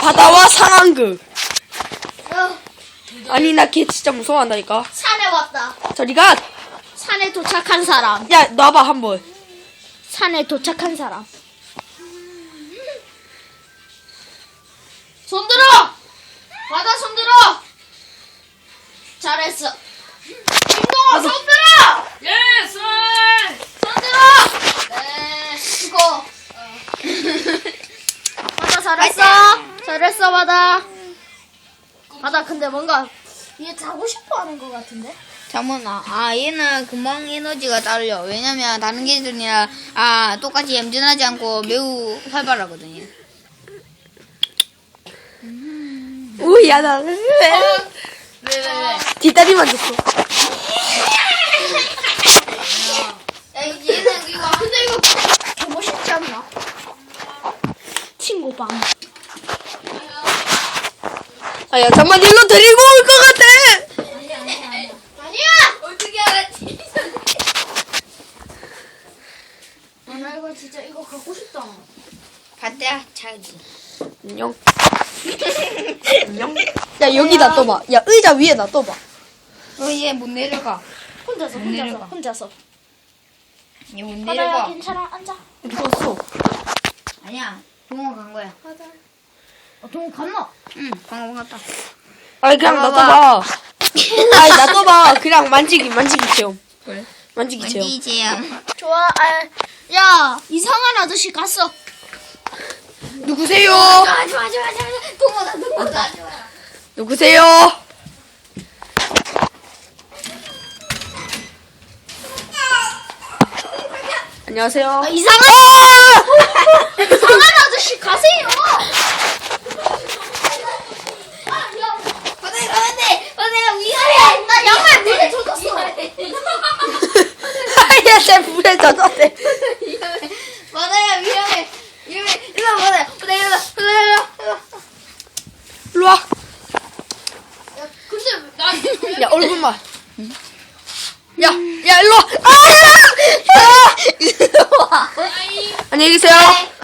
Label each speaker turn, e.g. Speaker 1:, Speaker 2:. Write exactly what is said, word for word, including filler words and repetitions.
Speaker 1: 바다와 상황극.
Speaker 2: 어,
Speaker 1: 아니 나 걔 진짜 무서워한다니까.
Speaker 2: 산에 왔다.
Speaker 1: 저리가.
Speaker 2: 산에 도착한 사람.
Speaker 1: 야 놔봐 한번.
Speaker 2: 산에 도착한 사람. 손들어! 바다 손들어! 잘했어. 김동호 손들어!
Speaker 3: 예, 쌀!
Speaker 2: 손들어! 네, 수고. 어. 바다 잘했어. 잘했어, 바다. 바다, 근데 뭔가 얘 자고 싶어 하는 것 같은데?
Speaker 4: 잠깐만, 아, 얘는 금방 에너지가 딸려. 왜냐면 다른 개들이랑, 아, 똑같이 얌전하지 않고 매우 활발하거든요.
Speaker 1: 오야 나. 왜?
Speaker 4: 왜, 왜, 왜?
Speaker 1: 뒷다리만 줬어.
Speaker 4: 야, 얘는 이거,
Speaker 2: 근데 이거 보고 싶지 않나? 친구 방.
Speaker 1: 아야 잠만 일로 데리고 올 것 같아.
Speaker 2: 아니야!
Speaker 4: 어떻게 알았지?
Speaker 2: 아, 나 이거 진짜 이거 갖고 싶다.
Speaker 4: 봤대야, 자기.
Speaker 1: 안녕. 안녕. 야 여기 놔둬봐. 야 의자 위에 놔둬봐.
Speaker 4: 어, 얘 못 내려가.
Speaker 2: 혼자서,
Speaker 4: 못
Speaker 2: 혼자서,
Speaker 4: 내려가.
Speaker 2: 혼자서.
Speaker 4: 얘 못
Speaker 2: 바다야,
Speaker 4: 내려가.
Speaker 2: 괜찮아, 앉아.
Speaker 1: 어디 갔어?
Speaker 4: 아니야, 동호 간 거야.
Speaker 2: 바다. 어, 동호 갔나?
Speaker 4: 응, 방금 갔다.
Speaker 1: 아니 그냥
Speaker 4: 봐봐.
Speaker 1: 놔둬봐. 아니 놔둬봐. 그냥 만지기 만지기 체험.
Speaker 4: 그래?
Speaker 1: 만지기 체험.
Speaker 4: 만지 제양.
Speaker 2: 좋아, 아, 야, 이상한 아저씨 갔어.
Speaker 1: 누구세요?
Speaker 4: 하지 마, 하지 마, 하지 마. 동호다, 동호다, 하지 마.
Speaker 1: 누구세요? 안녕하세요.
Speaker 2: 아, 이상한, 이상한 아저씨 가세요.
Speaker 4: 바다에 가면 돼! 바다야, 위험해!
Speaker 2: 나 양말 물에 젖었어.
Speaker 1: 아야 쟤 물에 젖었대.
Speaker 4: 위험해. 바다야, 위험해. 위험해. 일로 와, 바다야. 바다야, 일로 와. 바다야, 일로 와.
Speaker 1: 일로 와.
Speaker 2: 근데 나
Speaker 1: 야 얼굴만. 야, 야 일로 와. 아! 아! 안녕히 계세요.